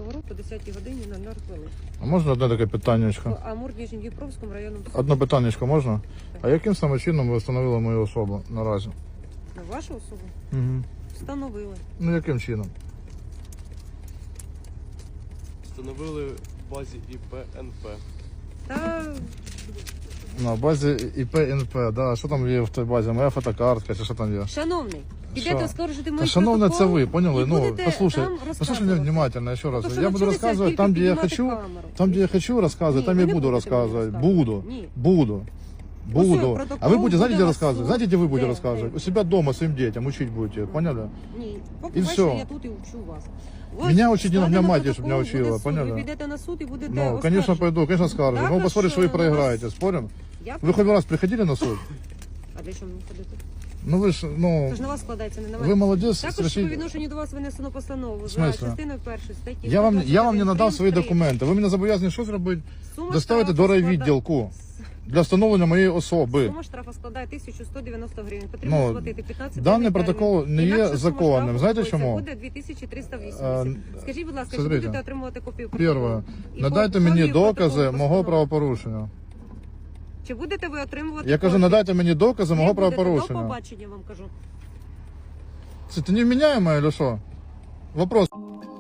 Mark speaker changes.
Speaker 1: поворот о 10 годині 00 хвилин.
Speaker 2: А можна одне таке питаннячко?
Speaker 1: В Амур-Ніжньодніпровському районному суді.
Speaker 2: Одне питаннячко можна? А яким саме чином ви встановили мою особу наразі?
Speaker 1: На вашу особу
Speaker 2: Угу.
Speaker 1: встановили.
Speaker 2: Ну яким чином?
Speaker 3: Встановили в базі ІП НП.
Speaker 1: Та
Speaker 2: На базі ІП НП, да. Що там є в той базі? Моя фотокартка чи що там є?
Speaker 1: шановний, підете
Speaker 2: Що?
Speaker 1: оскаржити мої
Speaker 2: Та, шановне, це ви, поняли?
Speaker 1: і
Speaker 2: Ну,
Speaker 1: будете
Speaker 2: послушай,
Speaker 1: там
Speaker 2: послушай
Speaker 1: розказувати.
Speaker 2: меня внимательно еще раз.
Speaker 1: Тому що
Speaker 2: Я буду
Speaker 1: навчилися
Speaker 2: рассказывать
Speaker 1: тільки
Speaker 2: там, где я
Speaker 1: піднімати
Speaker 2: хочу,
Speaker 1: камеру.
Speaker 2: там, где я хочу рассказывать,
Speaker 1: Ні,
Speaker 2: там
Speaker 1: ви
Speaker 2: я
Speaker 1: не
Speaker 2: буду
Speaker 1: будете мені
Speaker 2: рассказывать.
Speaker 1: розказувати.
Speaker 2: Буду.
Speaker 1: Ні.
Speaker 2: Буду. Буду.
Speaker 1: протокол
Speaker 2: А вы будете, знаете, где
Speaker 1: буде
Speaker 2: рассказывать?
Speaker 1: суд.
Speaker 2: Знаете, где вы будете
Speaker 1: Де?
Speaker 2: рассказывать?
Speaker 1: Де?
Speaker 2: У себя дома своим детям учить будете, поняли?
Speaker 1: Ні,
Speaker 2: І
Speaker 1: поки
Speaker 2: все.
Speaker 1: бачите, я тут і учу вас.
Speaker 2: Меня учить не надо,
Speaker 1: складено
Speaker 2: меня мать, чтобы
Speaker 1: протокол,
Speaker 2: меня
Speaker 1: буде
Speaker 2: учила,
Speaker 1: суд.
Speaker 2: поняли?
Speaker 1: Ви підете на суд і будете
Speaker 2: Ну, конечно,
Speaker 1: оскаржувати.
Speaker 2: пойду, конечно, скажу.
Speaker 1: Так,
Speaker 2: Но
Speaker 1: а
Speaker 2: посмотрим,
Speaker 1: що,
Speaker 2: что вы
Speaker 1: у вас-
Speaker 2: проиграете, спорим?
Speaker 1: Я
Speaker 2: Вы хоть раз приходили на суд?
Speaker 1: А для чого мені ходити?
Speaker 2: Ну вы ж, ну,
Speaker 1: Це ж на вас складається, не на мене.
Speaker 2: вы молодец.
Speaker 1: Також по
Speaker 2: совершите-
Speaker 1: відношенню до вас винесено постанову
Speaker 2: В
Speaker 1: за
Speaker 2: смысле?
Speaker 1: частиною першої статті.
Speaker 2: Я вам не
Speaker 1: 121
Speaker 2: надав свої
Speaker 1: прим. 3.
Speaker 2: документи. Ви мене зобов'язані що зробити?
Speaker 1: Сума
Speaker 2: Доставити
Speaker 1: штрафу
Speaker 2: до райвідділку для встановлення моєї особи.
Speaker 1: Сума штрафу складає 1190 гривень. Потрібно
Speaker 2: Ну,
Speaker 1: сплатити 15
Speaker 2: даний
Speaker 1: термін.
Speaker 2: протокол не є
Speaker 1: Інакше сума
Speaker 2: законним.
Speaker 1: штрафу
Speaker 2: Знаєте
Speaker 1: виходить,
Speaker 2: чому?
Speaker 1: Буде 2380. Скажіть, будь ласка, чи
Speaker 2: смотрите.
Speaker 1: будете отримувати копію
Speaker 2: Перше,
Speaker 1: протоколу? І
Speaker 2: надайте
Speaker 1: копію
Speaker 2: мені
Speaker 1: протоколу
Speaker 2: докази мого
Speaker 1: постанови.
Speaker 2: правопорушення.
Speaker 1: Чи будете ви отримувати
Speaker 2: Я кажу,
Speaker 1: копію?
Speaker 2: надайте мені докази
Speaker 1: Ви
Speaker 2: мого
Speaker 1: будете. До
Speaker 2: правопорушення.
Speaker 1: побачення, вам кажу.
Speaker 2: Це ти невміняєма, чи що? Вопрос.